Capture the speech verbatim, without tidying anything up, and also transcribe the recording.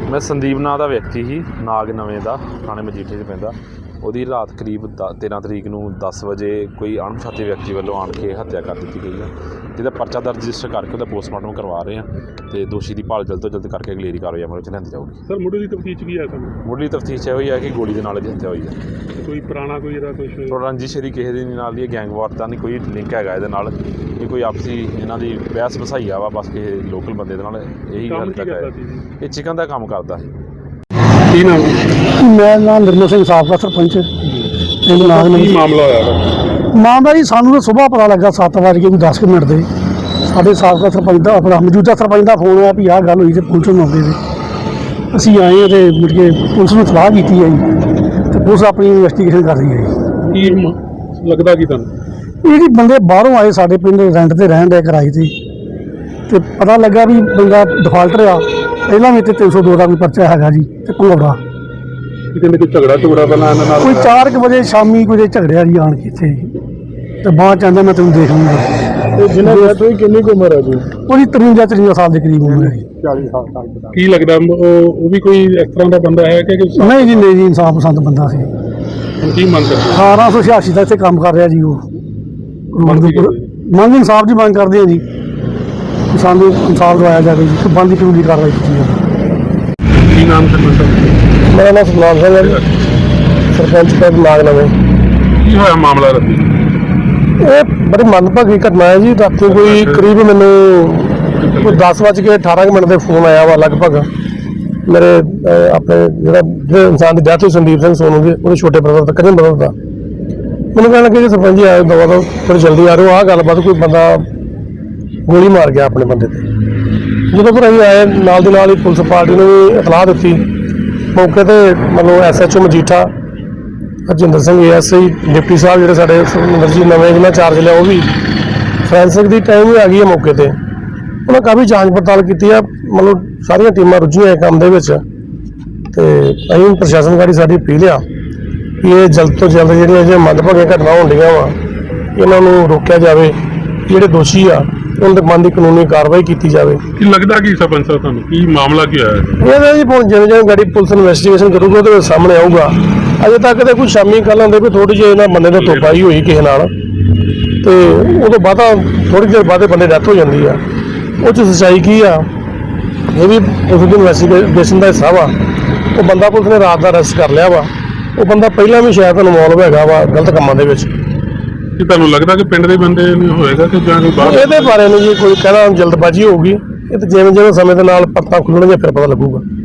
मैं संदीप नाम का व्यक्ति ही नाग नवें का थाने मजीठे च पैंदा ਉਹਦੀ रात करीब तेरह तरीक ਨੂੰ दस वजे कोई अणपछाते व्यक्ति वालों आण के हत्या कर दी गई है जिहदा परचा दर्ज रजिस्टर करके उसका पोस्टमार्टम करवा रहे हैं तो दोषी की भाल जल्द तो जल्द करके अगलेरी कार्रवाई अमल च लिआंदी जाऊगी। सर मुढ़ली तफ्तीश की है सर मुढ़ली तफ्तीश यही है कि गोली के नाल हत्या हुई है। कोई पुराना कोई इहदा कुछ तो रंजिश यदि किसी दी नाल दी गैंगवार का नहीं कोई लिंक है इहदे नाल ये कोई आपसी इन्हां दी बहस बसाई वा बस किसी लोकल बंदे दे नाल यही गल तक है ये चिकन का काम करता है। की नाम मैं नाम निर्मल सिंह साबका सरपंच की मामला होया मामला जी सानू तो सुबह पता लगा सत्त बज के कोई दस मिनट के साढ़े साबका सरपंच का अपना मौजूदा सरपंच का फोन आया भी आह गल हुई तो पुलिस मौके पर असी आए हैं तो मुड़ के पुलिस ने सलाह की है जी तो पुलिस अपनी इन्वेस्टिगेशन कर रही है जी। की लगता कि तुहानूं ये जी बंदे बाहरों आए साढ़े पिंड रेंट से रहन डे किराए से तो पता लगा भी बंदा डिफाल्टर आ पहला भी तीन सौ दो का कोई पर्चा है जी तो भंगौड़ा कहते कोई झगड़ा झुगड़ा पहला इन्हां नाल कोई चार के बजे शामी कोई झगड़िया जी आन के इत्थे तो बाद चाहता मैं तुम देख लूँगा। जिन्हें डेथ हुई कितनी उम्र है जी वो तरवंजा तरवंजा साल के करीब उम्र है जी। चालीस साल की लगता वो भी कोई इस तरह का बंदा है कि नहीं जी नहीं जी इंसाफ पसंद बंदा से की मंग करते अठारह सौ छियासी का इतने काम कर रहा जी वो मंग इंसाफ की मंग करते हैं जी सानू इंसाफ दवाया जाए जी बनती कानूनी कार्रवाई की जाए। की नाम सरपंच साहब मेरा नाम सतनाम सिंह है जी सरपंच पिंड नाग नवें। की होया मामला रखी ये बड़ी मंदभागी घटना है जी रात कोई करीब मैनू कोई दस बज के अठारह मिनट के फोन आया वा लगभग मेरे अपने जो जो इंसान की डेथ हुई संदीप सिंह सोनू के वो छोटे ब्रदर का कजन ब्रदर का मैंने कहना कि सरपंच जी आए दवा दो थोड़ी जल्दी आ रहे हो आह गलबात कोई बंदा गोली मार गया अपने बंदे पर जो फिर अं आए नाल दी नाल ही पुलिस पार्टी ने भी इतलाह दी मौके पर मतलब S H O Majitha Harjinder Singh A S I deputy साहब जो साढ़े सुखविंदर जी नवें जिन्हें चार्ज लिया वो भी फॉरेंसिक की टाइम भी आ गई है मौके पर उन्हें काफ़ी जांच पड़ताल की है मतलब सारिया टीमां रुझियां काम के अं प्रशासन गाड़ी साड़ी अपील आ कि ये जल्द तो जल्द जो मंदभागियां घटना होंदियां वा इन्हों रोकया जाए जोड़े दोषी आ उनके मन की कानूनी कार्रवाई की जाए। की लगता कि सरपंच साहब तुहानूं की मामला की है ये जी हुण जिवें जिवें गाड़ी पुलिस इन्वेस्टिगेशन करूगी तो सामने आऊगा अजे तक तो कुछ शामी कल आते भी थोड़ी जी इन्होंने बंदे ने तोपाई हुई किसी नाल तो उदों बाद थोड़ी देर बाद बंदे डेथ हो जाती है उस सच्चाई की आ ये भी पुलिस की इन्वेस्टिगेशन का हिस्सा वा वो बंदा पुलिस ने रात का अरेस्ट कर लिया वा वो बंदा पहला भी शायद इनवॉल्व है वा गलत कामों के तुहानूं लगता कि पिंड के बंदे होएगा कि जां कोई बाहर ये बारे नहीं जी कोई कहना जल्दबाजी होगी ये तो जिवें जिवें समय के नाल पत्ता खुलणगे फिर पता लगूगा।